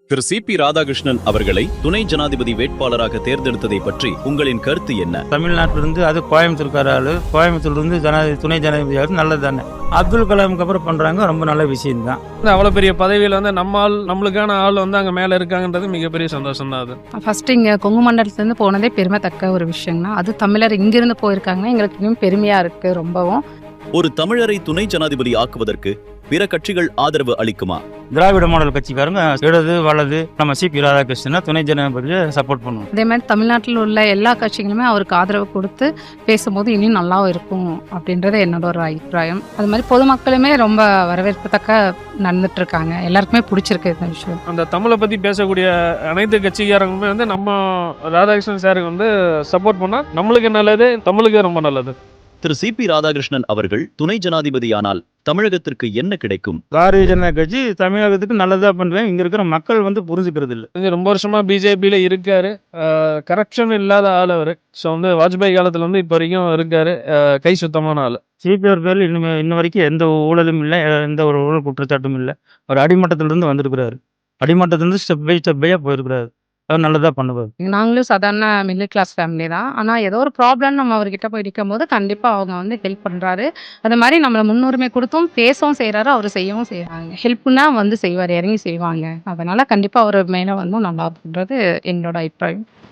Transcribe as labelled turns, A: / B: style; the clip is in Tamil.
A: திரு சி.பி. ராதாகிருஷ்ணன் அவர்களை துணை ஜனாதிபதி வேட்பாளராக தேர்ந்தெடுத்ததை பற்றி உங்களின் கருத்து என்ன?
B: தமிழ்நாட்டிலிருந்து அது கோயம்புத்தூர்கார ஆளு, கோயம்புத்தூர்லேருந்து துணை ஜனாதிபதி நல்லது தானே. அப்துல் கலாமுக்கு அப்புறம் பண்றாங்க, ரொம்ப நல்ல விஷயம் தான்.
C: அவ்வளோ பெரிய பதவியில் வந்து நம்மளுக்கான ஆள் வந்து அங்கே மேலே இருக்காங்கன்றது மிகப்பெரிய சந்தோஷம் தான். அது
D: ஃபர்ஸ்ட் இங்கே கொங்கு மண்டலத்துலேருந்து போனதே பெருமைத்தக்க ஒரு விஷயம் தான். அது தமிழர் இங்கிருந்து போயிருக்காங்கன்னா எங்களுக்கு இன்னும் பெருமையாக இருக்குது ரொம்பவும்.
A: ஒரு தமிழரை துணை ஜனாதிபதி ஆக்குவதற்கு பிற கட்சிகள் ஆதரவு அளிக்குமா?
B: திராவிட மாடல் கட்சிக்காரங்க இடது வலது நம்ம சி.பி. ராதாகிருஷ்ணனை துணை ஜனாதிபதியை சப்போர்ட் பண்ணுவோம்.
D: அதே மாதிரி தமிழ்நாட்டில் உள்ள எல்லா கட்சிகளுமே அவருக்கு ஆதரவு கொடுத்து பேசும்போது இன்னும் நல்லா இருக்கும் அப்படின்றது என்னோட ஒரு அபிப்பிராயம். அது மாதிரி பொதுமக்களுமே ரொம்ப வரவேற்பத்தக்க நடந்துட்டு இருக்காங்க. எல்லாருக்குமே பிடிச்சிருக்கு இந்த விஷயம்.
C: அந்த தமிழை பற்றி பேசக்கூடிய அனைத்து கட்சிக்காரங்களுமே வந்து நம்ம ராதாகிருஷ்ணன் சாருக்கு வந்து சப்போர்ட் பண்ணால் நம்மளுக்கு நல்லது, தமிழுக்கு ரொம்ப நல்லது.
A: திரு சி.பி. ராதாகிருஷ்ணன் அவர்கள் துணை ஜனாதிபதியானால் தமிழகத்திற்கு என்ன கிடைக்கும்?
B: பாரதிய ஜனதா கட்சி தமிழகத்துக்கு நல்லதா பண்றேன். இங்க இருக்கிற மக்கள் வந்து புரிஞ்சுக்கிறது இல்லை.
C: ரொம்ப வருஷமா பிஜேபியில் இருக்காரு. கரப்ஷன் இல்லாத ஆள் அவர். ஸோ வந்து வாஜ்பாய் காலத்தில் வந்து இப்போ வரைக்கும் இருக்காரு. கை சுத்தமான ஆள்.
B: சி.பி. பேரில் இன்ன வரைக்கும் எந்த ஊழலும் இல்லை, எந்த ஒரு ஊழல் குற்றச்சாட்டும் இல்லை. அவர் அடிமட்டத்திலிருந்து வந்திருக்கிறாரு. அடிமட்டத்திலிருந்து ஸ்டெப் பையா போயிருக்கிறாரு. அவர் நல்லதா பண்ணுவார்.
D: நாங்களும் சாதாரண மிடில் கிளாஸ் ஃபேமிலி தான். ஆனால் ஏதோ ஒரு ப்ராப்ளம் நம்ம அவர்கிட்ட போய் நிற்கும் போது கண்டிப்பாக அவங்க வந்து ஹெல்ப் பண்ணுறாரு. அது மாதிரி நம்மளை முன்னுரிமை கொடுத்தும் பேசவும் செய்கிறாரு, அவர் செய்யவும் செய்கிறாங்க. ஹெல்ப்னா வந்து செய்வார், இறங்கி செய்வாங்க. அதனால் கண்டிப்பாக அவர் மேலே வந்து நல்லா இருக்குன்றது என்னோட அபிப்பிராயம்.